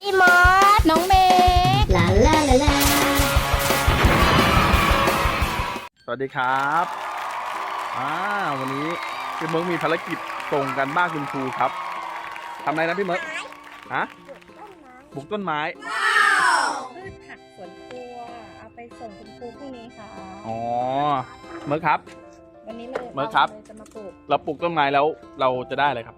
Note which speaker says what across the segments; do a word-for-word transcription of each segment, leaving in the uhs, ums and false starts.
Speaker 1: พี่มอส
Speaker 2: น้องเมย์
Speaker 1: ลาลาลาลา
Speaker 3: สวัสดีครับอ่าวันนี้พี่เมิร์กมีภารกิจส่งกันบ้านคุณครูครับทำอะไรนะพี่เมิร์กฮะปลูกต้นไม้
Speaker 2: พืชผักสวนครัวเอาไปส่งคุณครูพรุ่งนี้ค่ะ
Speaker 3: อ๋อเมิร์กครับ
Speaker 2: วันนี้เรา
Speaker 3: เมิร์กครับ
Speaker 2: จะมาปลูก
Speaker 3: เราปลูกต้นไม้แล้วเราจะได้อะไรครับ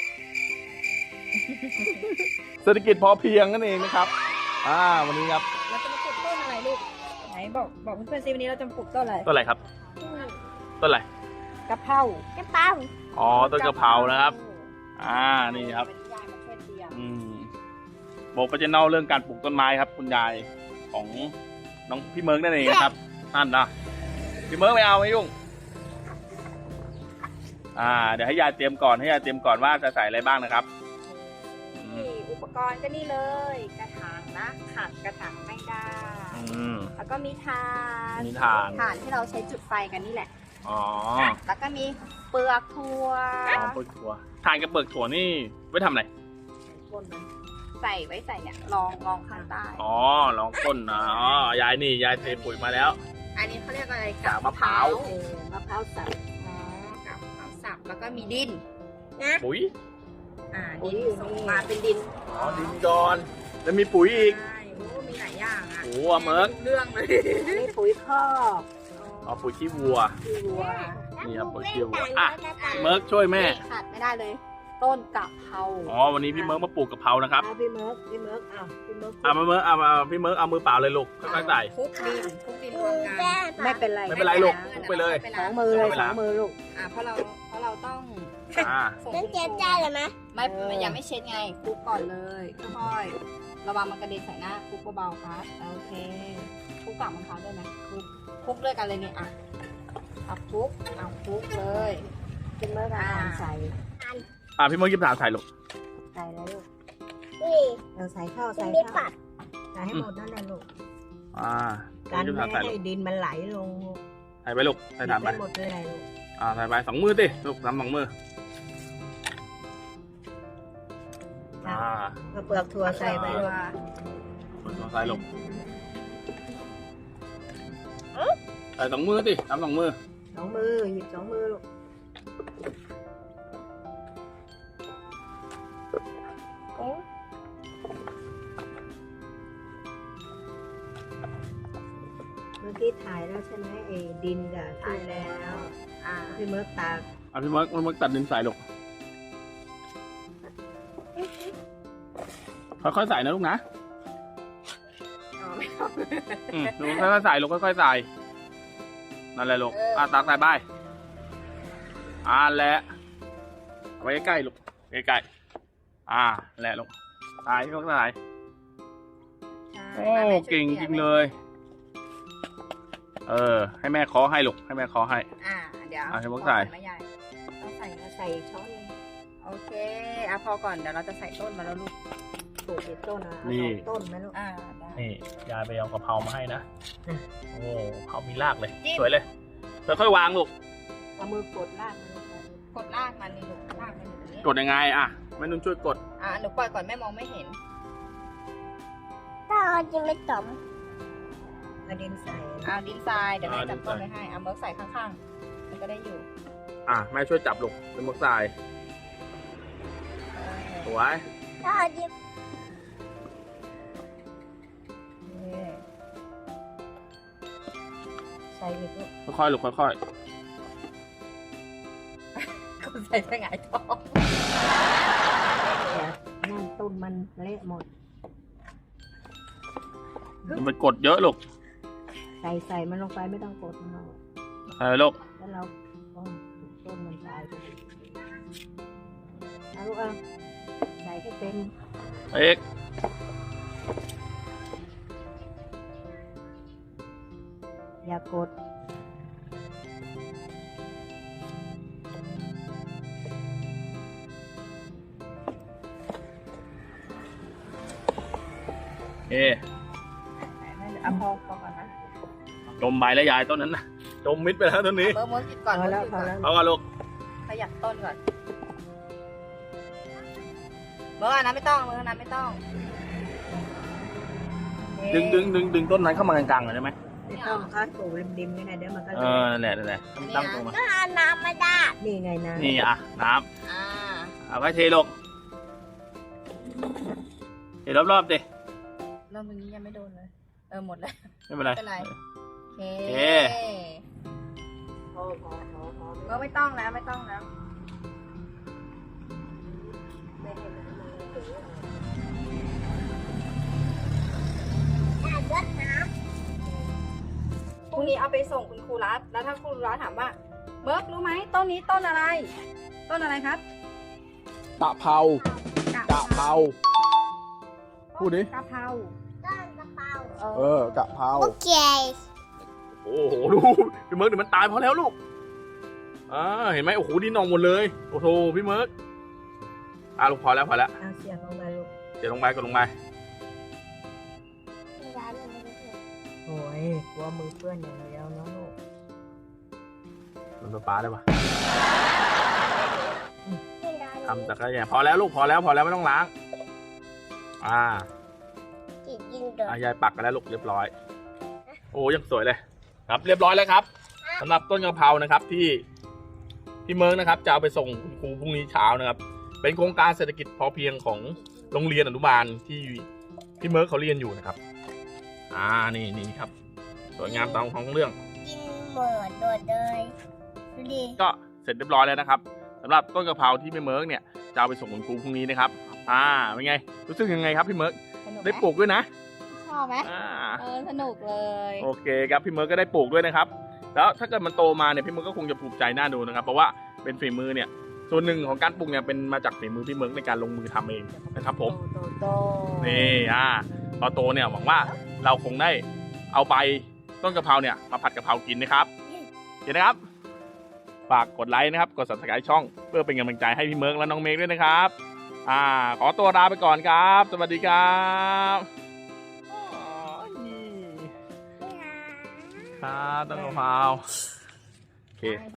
Speaker 3: เศรษฐกิจพอเพียงนั่นเองนะครับอ่าวันนี้ครับ
Speaker 2: เราจะมาปลูกต้นอะไรลูกไหนบอกบอกเพื่อนๆซิวันนี้เราจะปลูกต้นอะไร
Speaker 3: ต้นอะไรครับต้นอะไร
Speaker 2: กะเพราก
Speaker 1: ระเป๋า
Speaker 3: อ๋อต้นกะเพรานะครับอ่านี่ครับอืมบอกประเด็นเล่าเรื่องการปลูกต้นไม้ครับคุณยายของน้องพี่เมิร์กนั่นเองนะครับนั่นนะพี่เมิร์กไม่เอาไม่ยุ่งอ่าเดี๋ยวให้ยายเตรียมก่อนให้ยายเตรียมก่อนว่าจะใส่อะไรบ้างนะครับ
Speaker 2: อุปกรณ์ก็นี่เลยกระถางนะขาดกระถางไม่ได้แล้วก็มีถ่าน
Speaker 3: มีถ่าน
Speaker 2: ถ่านที่เราใช้จุดไฟกันนี่แหละ
Speaker 3: อ๋อ
Speaker 2: แล้วก็มีเปลือกถั่ว
Speaker 3: เปลือกถั่วถ่านกับเปลือกถั่วนี่ไว้ทำอะไร
Speaker 2: ใส่ไว้ใส่เนี่ยรองรองข้างใต้
Speaker 3: อ๋อรองก้นนะอ๋อยายนี่ยายเทปุ๋ยมาแล้ว
Speaker 2: อันนี้เขาเรียกอะไร
Speaker 3: กาบมะพร้าว
Speaker 2: มะพร้าวสับอ๋อกาบมะพร้าวสับแล้วก็มีดิน
Speaker 3: นะปุ๋ย
Speaker 2: อ่าดินส่งมาเป็นดิน
Speaker 3: อ๋อดินก่อนแล้วมีปุ๋ยอีก
Speaker 2: ใช่โอ้มีหลายอย่างอ่ะ
Speaker 3: โอ้เมิร์ก
Speaker 2: เรื่องเลยมีปุ๋ยคอก
Speaker 3: อ๋อปุ๋ยขี้วัว
Speaker 2: ขี้วัว
Speaker 3: นี่ครับปุ๋ยขี้วัวอ่ะเมิร์กช่วยแม่
Speaker 2: ขาดไม่ได้เลยต้นกะเพรา
Speaker 3: อ๋อวันนี้พี่เมิร์กมาปลูกกะเพรานะครับ
Speaker 2: พี่เมิร์กพี่เมิร์กอ้าวพี่เมิร์ก
Speaker 3: อ่ะมาเมิร์กอ่ะมาพี่เมิร์กเอามือเปล่าเลยลูกค่อยๆใส่
Speaker 2: คลุกดินคลุกดินรวมกันไม่เป็นไร
Speaker 3: ไม่เป็นไรลูกคลุกไปเลย
Speaker 2: สองมือเลยสองมือลูกอ่ะเพราะเราเพราะเราต้อง
Speaker 1: ต้องเจ็บใจเลยไหม
Speaker 2: ไม่ยังไม่เช็ดไงคลุกก่อนเลยค่อยๆระวังมันกระเด็นใส่หน้าคลุกเบาๆครับโอเคคลุกกับมะพร้าวด้วยไหมคลุกคลุกด้วยกันเลยเนี่ยอ่ะเอาคลุกเอาคลุกเลยกินเมื่อไหร่ใส่
Speaker 3: อ่ะพี่เมิร์กยิบถ่านใส่ลูก
Speaker 2: ใส่แล้วลูก
Speaker 1: นี่
Speaker 2: เราใส่ข้าวใส่ข้าวใส่ให้หมดนั่นแหละลูก
Speaker 3: อ่า
Speaker 2: การไม่ให้ดินมันไหลลง
Speaker 3: ใส่ไปลูกใส่ถ่านไป
Speaker 2: หมดเลยลูก
Speaker 3: อ่าใส่ไปสองมือติลูกทำสองมือ
Speaker 2: อ่าเปลือกถั่วใส่ไปลูก
Speaker 3: เปลือกถั่วใส่ลูกใส่สองมือติทำสองมือ
Speaker 2: สองมือหยิบสองมือลูกเมื่อกี้ถ่ายแล้วใช่ไหมเอดินกับถ่ายแล้วอ่าพี่เมิร์กตา
Speaker 3: อ่ะพี่เมิร์กพี่เมิร์กตัดดินใส่ลูกค่อยๆใส่นะลูกนะอืมลูกค่อยๆใส่ลูกค่อยๆใส่นั่นแหละลูกอ่ะตักใส่ไปอ่าแหละเอาไว้ใกล้ๆลูกใกล้ๆอ่าแหละลูกใส่ก็ใส่โอ้เก่งจริงเลยเออให้แม่เคาะให้ลูกให้แม่เคาะให้
Speaker 2: อ่าเดี๋ยว
Speaker 3: อ่าให้พวกใส่
Speaker 2: ไม่ใหญ่ต้องใส่ใส่ช้อนเลยโอเคอ่ะพอก่อนเดี๋ยวเราจะใส่ต้นมาแล้วลูกปลูกติดต้นนะนี่ต้นไหมลูกอ่า
Speaker 3: นี่ยายไปเอากะเพรามาให้นะโอ้เผามีรากเลยสวยเลยค่อยๆวางลูก
Speaker 2: เอามือกดรากมันกดรากมันนี่ลูกรากมันอยู่ตรงนี้
Speaker 3: กดยังไงอ่ะแม่นุ่นช่วยกด
Speaker 2: อ่าหนูปล่อยก่อนแม่มองไม่เห็น
Speaker 1: ถ้าเอาจริงไม่จม
Speaker 2: เอาดินทรายเอาดินทรายเดี๋ยวแม่จับต้นไว้ให้เอาเมิร์กใส่ข้างๆมันก็ได้อยู่
Speaker 3: อ่ะแม่ช่วยจับลูกเป็นเมิร์กทรายสวย
Speaker 1: ถ้าเอาจริง
Speaker 2: ใส่อีกลูก
Speaker 3: ค่อยๆลูกค่อย
Speaker 2: ๆก็ใส่ไปหงายท้องนั่นต้นมันเละหมด
Speaker 3: มันไปกดเยอะลูก
Speaker 2: ใส่ใส่มันลงไปไม่ต้องกดมันหรอก
Speaker 3: ใส่ลูก
Speaker 2: แล้วเราต้นมันตายเอาลูกเอาใส่ให้เต็ม
Speaker 3: เอก
Speaker 2: อย่ากด
Speaker 3: เอ๊ะ
Speaker 2: เอาพอพอก่อนนะ
Speaker 3: จมใบแล้วยายต้นนั้นนะจมมิดไปแล้วต้นนี้
Speaker 2: เมื่อเมื่อกินก่อนแล้ว
Speaker 3: เอาก่อนลูก
Speaker 2: ขยับต้นก่อนเมื่อนั้นไม่ต้องเมื่อนั้นไม่ต้อง
Speaker 3: ดึงดึงดึงดึงต้นนั้นเข้ามากลางๆหน่อยได้ไหม
Speaker 4: ไม่ต้องก็ถูริมๆนี่ไงเดี๋ยวมันก็
Speaker 3: เออนั่นแหละนั่นแหละตั้งตรงมา
Speaker 1: ก็เอาน้ำมาได้
Speaker 4: นี่ไงนะ
Speaker 3: นี่อ่ะน้
Speaker 2: อ่า
Speaker 3: ำเอาไปเทลงเทรอบๆดิ
Speaker 2: เริ่มตรงนี้ยังไม่โดนเลยเออหมดแล้ว
Speaker 3: ไม่เป็นไร
Speaker 2: ไม่เป็นไรโอเค
Speaker 3: โอเค
Speaker 4: พอพอพอพอ
Speaker 2: ก็ไม่ต้องแล้วไม่ต้องแล้ว
Speaker 4: ไม่ให้น้ำมันไหล
Speaker 1: ได้รดน้
Speaker 2: พรุ่งนี้เอาไปส่งคุณครูรัฐแล้วถ้าคุณครูรัฐถามว่าเบิร์กรู้ไหมต้นนี้ต้นอะไร ต้นอะไรครับ
Speaker 3: กะเพรากะเพรา พูดดิ
Speaker 2: กะเพรา
Speaker 1: ำต้นกระเป๋า
Speaker 3: เออกะเพรา
Speaker 1: โอเค
Speaker 3: โอ้โหลูกพี่เมิร์กเดี๋ยวมันตายพอแล้วลูกอ่าเห็นไหมโอ้โหดินนองหมดเลยโอ้โหพี่เมิร์กอ่ะลูกพอแล้วพอแล้ว
Speaker 4: เอาเสียงลงมาลูก
Speaker 3: เดี๋ยวลงไปก็ลงไป
Speaker 4: โอ้ยกลัวมือเปื้อนอย่างเดียวนะลูก
Speaker 3: มันปลาปลาได้ปะทำแต่ก็อย่างพอแล้วลูกพอแล้วพอแล้วไม่ต้องล้างอ่า
Speaker 1: จิตยิงเดือด
Speaker 3: อ่ะยายปักกันแล้วลูกเรียบร้อย โอ้ยังสวยเลย ครับเรียบร้อยแล้วครับสำหรับต้นกะเพรานะครับที่พี่เมิร์กนะครับจะเอาไปส่งคุณครูพรุ่งนี้เช้านะครับ เป็นโครงการเศรษฐกิจพอเพียงของโรงเรียนอนุบาลที่พี่เมิร์กเขาเรียนอยู่นะครับ อ่านี่นี่ครับสวยงามตามของเรื่อง
Speaker 1: กินเหมือนโดดเลยดูดิ
Speaker 3: ก็เสร็จเรียบร้อยแล้วนะครับสำหรับต้นกะเพราที่พี่เมิร์กเนี่ยจะเอาไปส่งคุณครูพรุ่งนี้นะครับ อ่าเป็นไงรู้สึกยังไงครับพี่เมิร์ก
Speaker 2: สนุกไหม
Speaker 3: ได้ปลูกด้วยนะ
Speaker 2: ชอบไหม
Speaker 3: อ่า
Speaker 2: เออสนุกเลย
Speaker 3: โอเคครับพี่เมิร์กก็ได้ปลูกด้วยนะครับ แล้วถ้าเกิดมันโตมาเนี่ยพี่เมิร์กก็คงจะภูมิใจน่าดูนะครับ เพราะว่าเป็นฝีมือเนี่ยส่วนหนึ่งของการปลูกเนี่ยเป็นมาจากฝีมือพี่เมิร์กในการลงมือทำเองนะครับผม
Speaker 4: โตโต
Speaker 3: นี่อ่าพอโตเนี่ยหวังว่าเราคงได้เอาใบต้นกะเพราเนี่ยมาผัดกะเพรากินนะครับเห็นนะครับฝากกดไลค์นะครับกด ซับสไครบ์ ช่องเพื่อเป็นกำลังใจให้พี่เมิร์กและน้องเมฆด้วยนะครับอ่าขอตัวลาไปก่อนครับ สวัสดีครับอ๋อนี่ครับต้นกะเพราโอเค